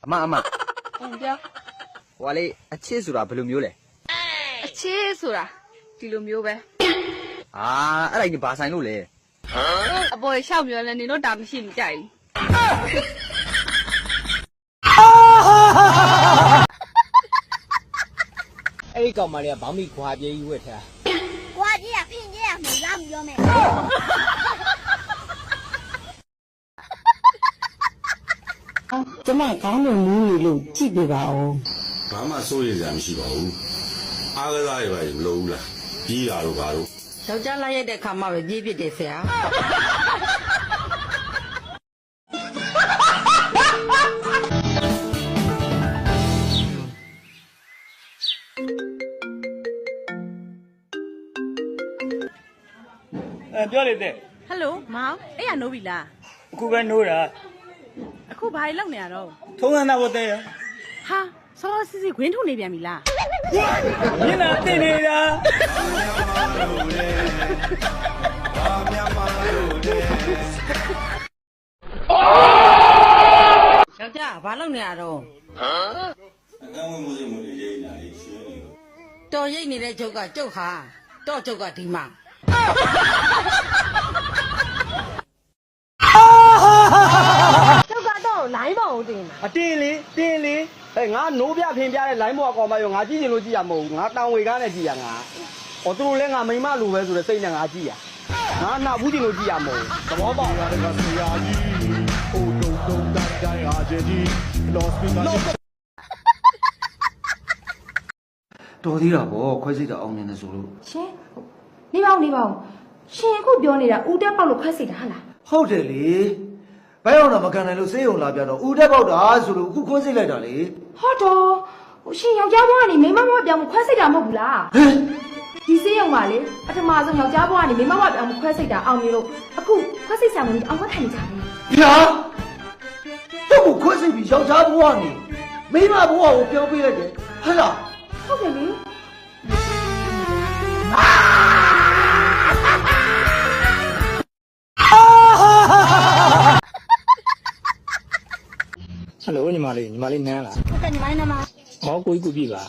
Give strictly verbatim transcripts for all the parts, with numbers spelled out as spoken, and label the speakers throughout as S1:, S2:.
S1: အမအမ
S2: ဟုတ်ပြော
S1: ဟိုကလေအချစ်ဆိုတာဘယ်လိုမျိုးလဲ
S2: အချစ်ဆိုတာဒီလိုမျိုးပဲ
S1: အာအဲ့ဒါကြီးဘာဆိုင်လို့လဲ
S2: အပေါ်ရှောက်ပြောလဲနေတော့တာမရှိမကြိုက်
S3: အဲ့ဒီကောင်မလေးကဘောင်းမီခွာပြေးကြီးဝက်ထား
S4: ခွာကြီးကဖင်ကြီးကမလာမပြောမယ်
S5: ကျမကောင်းလို့မူးနေလို့ကြည့်ပြပါဦး
S6: ဘာမှစိုးရိမ်စရာမရှိပါဘူးအားကစားရပါရင်မလုပ်ဘူးလားကြီးတာတို့ဘာလို့
S5: ယောက်ျားလိုက်ရတဲ့ခါမှပဲကြီးဖြစ်တယ်ဆရာ
S3: အဲပြောလေတဲ့
S2: ဟယ်လိုမောင်အဲ့ရနိုးပြီလား
S3: အခုပဲနိုးတာ
S2: အခုဘာလုပ်နေရတော့
S3: ထုံးစံသားဘတဲ့
S2: ဟာစောစစ်စစ်ခွင်းထုတ်နေပြန်ပြီလား
S3: မျက်နှာတင်နေတာ
S5: ယောက်ျားဘာလုပ်နေရတော့
S6: ဟမ်အကန့်ဝင်မှုစိတ်မှုတွေရိတ်နေတာလေရှင်းနေလို့
S5: တော်ရိတ်နေတဲ့ချုပ်ကကျုပ်ဟာတော့ကျုပ်ကဒီမှာ
S4: ကျုပ်ကတော့လိုင်းပေါ်ကိုတင်တာ
S3: အတင်းလေတင်းလေအဲငါနိုးပြဖင်ပြတဲ့လိုင်းပေါ်ကောင်မရောငါကြည့်ချင်လို့ကြည့်ရမဟုတ်ဘူးငါတန်ဝေကားနဲ့ကြည့်ရငါဟောသူတို့လည်းငါမိမလိုပဲဆိုတဲ့စိတ်နဲ့ငါကြည့်ရငါနာဘူးချင်လို့ကြည့်ရမဟုတ်ဘူးသဘောပေါက်လားကဆရာကြီးဟိုတုံတုံတန်တိုင်းဟာကြီးလော့စပီကာ
S1: တော်သေးတာပေါ့ခွဲစိတ်တာအောင်မြင်နေဆိုလို့
S4: ရှင်နေပါဦးနေပါဦးရှင်အခုပြောနေတာဦးတက်ပေါက်လို့ခွဲစိတ်တာဟာလား
S1: ဟုတ်တယ်လေဘယ်အောင်တော့မကန်နိုင်လို့စေးုံလာပြတော့ဦးတက်ပေါက်တာဆိုလို့အခုခွဲစိတ်လိုက်တာလေ
S4: ဟုတ်တော့ရှင်ယောက်ျားဘွားကနေမိန်းမဘွားပြောင်းခွဲစိတ်တာမဟုတ်ဘူးလား
S1: ဟမ်
S4: ဒီစေးရုံပါလေပထမဆုံးယောက်ျားဘွားကနေမိန်းမဘွားပြောင်းခွဲစိတ်တာအောင်မြင်လို့အခုခွဲစိတ်ဆံမင်းအောင်ခွဲထိုင်နေကြတယ်
S1: ဗျာတော့ခွဲစိတ်ပြီးယောက်ျားဘွားနေမိန်းမဘွားကိုပြောင်းပေးလိုက်တယ်ဟဲ့လား
S4: ဟုတ်တယ်လေ
S3: ဟယ်လိုညီမလေးညီမလေးနန်းလား
S4: ဟုတ်တယ်ညီမလေးနန်းပါ
S3: ဟောကိုကြီးကိုပြပါ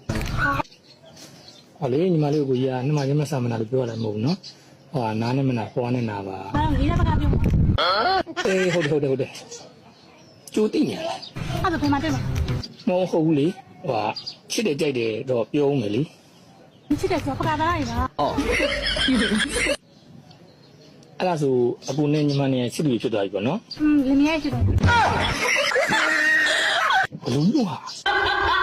S3: ဟောလေညီမလေးကိုကြီးကနှမချင်းမဆာမနာလို့ပြောရတယ်မဟုတ်ဘူးနော်ဟောနားနဲ့မနာဖွားနဲ့နာပါ
S4: ဟာငီးတဲ့ဘက်ကပြော
S3: အေးဟုတ်တယ်ဟုတ်တယ်ဟုတ်တယ်ကျိုးသိနေလား
S4: အဲ့ဒါဘယ်မှာတွေ့မှာ
S3: မဟုတ်ဘူးလေဟိုချစ်တယ်ကြိုက်တယ်တော့ပြောဦးမယ်လေ
S4: ချစ်တယ်ဆိုပကားသားရည်လား
S3: အော်အဲ့ဒါဆိုအပူနဲ့ညီမနဲ့ချစ်သူဖြစ်သွားပြီပေါ့နော်
S4: อืมလင်းရဲချစ်တယ်
S3: ဘလုံးလို့ဟာ